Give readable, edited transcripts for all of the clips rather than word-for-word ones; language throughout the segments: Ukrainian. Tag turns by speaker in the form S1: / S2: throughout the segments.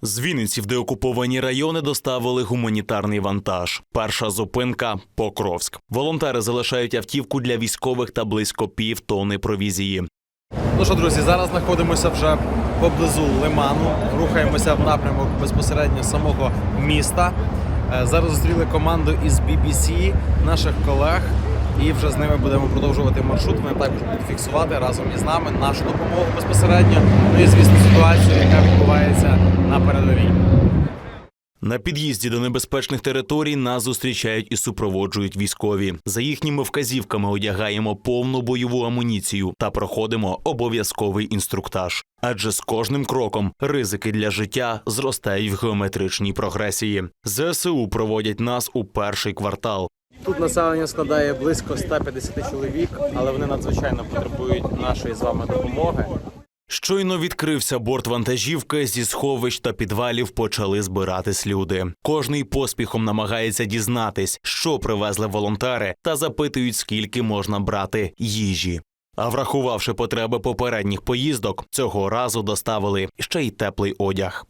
S1: З Вінниці в деокуповані райони доставили гуманітарний вантаж. Перша зупинка – Покровськ. Волонтери залишають автівку для військових та близько півтонни провізії.
S2: Ну що, друзі, зараз знаходимося вже поблизу Лиману. Рухаємося в напрямок безпосередньо самого міста. Зараз зустріли команду із BBC, наших колег. І вже з ними будемо продовжувати маршрут. Вони також будуть фіксувати разом із нами нашу допомогу безпосередньо. Ну і, звісно, ситуацію, яка відбувається на передовій.
S1: На під'їзді до небезпечних територій нас зустрічають і супроводжують військові. За їхніми вказівками одягаємо повну бойову амуніцію та проходимо обов'язковий інструктаж. Адже з кожним кроком ризики для життя зростають в геометричній прогресії. ЗСУ проводять нас у перший квартал.
S2: Тут населення складає близько 150 чоловік, але вони надзвичайно потребують нашої з вами допомоги.
S1: Щойно відкрився борт вантажівки, зі сховищ та підвалів почали збиратись люди. Кожний поспіхом намагається дізнатись, що привезли волонтери, та запитують, скільки можна брати їжі. А врахувавши потреби попередніх поїздок, цього разу доставили ще й теплий одяг.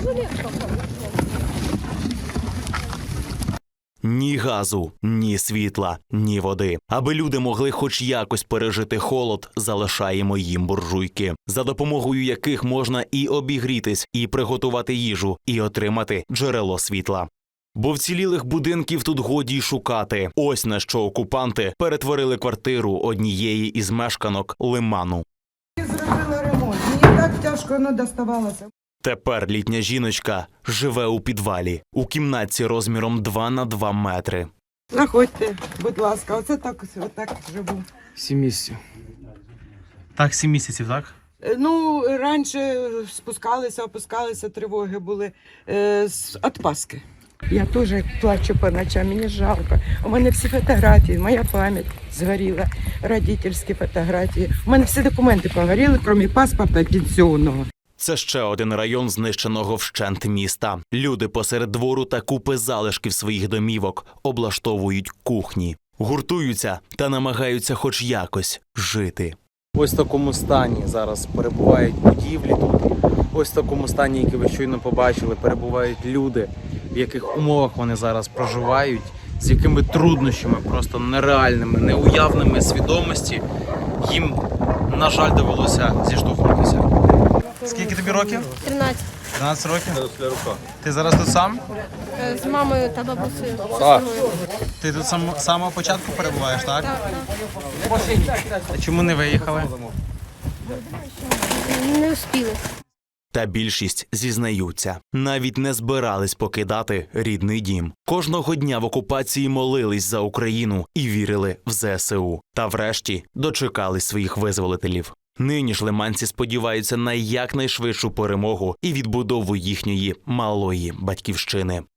S1: Ні газу, ні світла, ні води. Аби люди могли хоч якось пережити холод, залишаємо їм буржуйки, за допомогою яких можна і обігрітись, і приготувати їжу, і отримати джерело світла. Бо вцілілих будинків тут годі й шукати. Ось на що окупанти перетворили квартиру однієї із мешканок Лиману.
S3: Я зробила ремонт, мені так тяжко воно доставалося.
S1: Тепер літня жіночка живе у підвалі, у кімнатці розміром 2 на 2 метри.
S3: Заходьте, будь ласка, оце так живу.
S2: 7 місяців. Так, 7 місяців, так?
S3: Ну, раніше опускалися, тривоги були від Пасхи. Я теж плачу по ночам, мені жалко. У мене всі фотографії, моя пам'ять згоріла, родительські фотографії. У мене всі документи погоріли, крім паспорта пенсіонного.
S1: Це ще один район знищеного вщент міста. Люди посеред двору та купи залишків своїх домівок облаштовують кухні. Гуртуються та намагаються хоч якось жити.
S2: Ось в такому стані зараз перебувають будівлі тут. Ось в такому стані, який ви щойно побачили, перебувають люди, в яких умовах вони зараз проживають, з якими труднощами, просто нереальними, неуявними свідомості їм, на жаль, довелося зіштовхнутися. Скільки тобі років?
S4: 13.
S2: 13 років? Ти зараз тут сам?
S4: З мамою та бабусею.
S2: Ти тут з самого початку перебуваєш, так?
S4: Так.
S2: А чому не виїхали?
S4: Не встигли.
S1: Та більшість зізнаються, навіть не збирались покидати рідний дім. Кожного дня в окупації молились за Україну і вірили в ЗСУ. Та врешті дочекались своїх визволителів. Нині ж лиманці сподіваються на якнайшвидшу перемогу і відбудову їхньої малої батьківщини.